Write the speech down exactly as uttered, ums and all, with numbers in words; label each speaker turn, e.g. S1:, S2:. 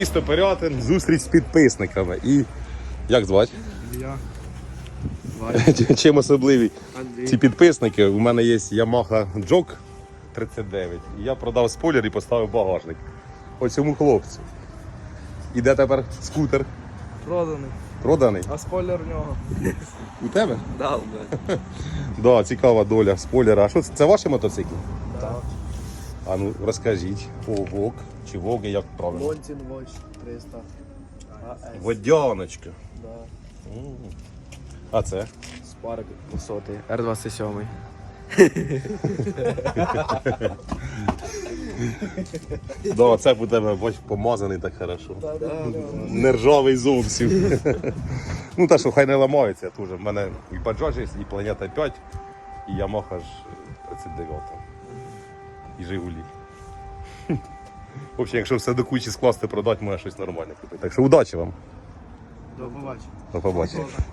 S1: Місто Пирятин, зустріч з підписниками. І як звати?
S2: Я.
S1: Чим особливі
S2: Андрій.
S1: ці підписники? У мене є Yamaha Jog тридцять дев'ять. І я продав спойлер і поставив багажник. Оцьому хлопцю. І де тепер скутер?
S2: Проданий.
S1: Проданий?
S2: А спойлер в нього.
S1: У тебе?
S2: Да, блядь.
S1: Да, цікава доля спойлера. А що це? Це ваші мотоцикли?
S2: Так.
S1: А ну розкажіть. О, Вок чи Воги, як правильно?
S2: Монтін Watch триста. АС.
S1: Водяночка.
S2: Да.
S1: А це?
S2: Спарк двісті. Р двадцять сім.
S1: Да, це у тебе, бач, помазаний так хорошо. Не ржавий зовсім. Ну та що, хай не ламається теж. В мене і Bajaj є, і Планета п'ять, і Yamaha ж тридцять дев'ять. І Жигулі. В общем, якщо все до кучі скласти, продати, може щось нормальне купити. Так що удачі вам.
S2: До побачення.
S1: До побачення.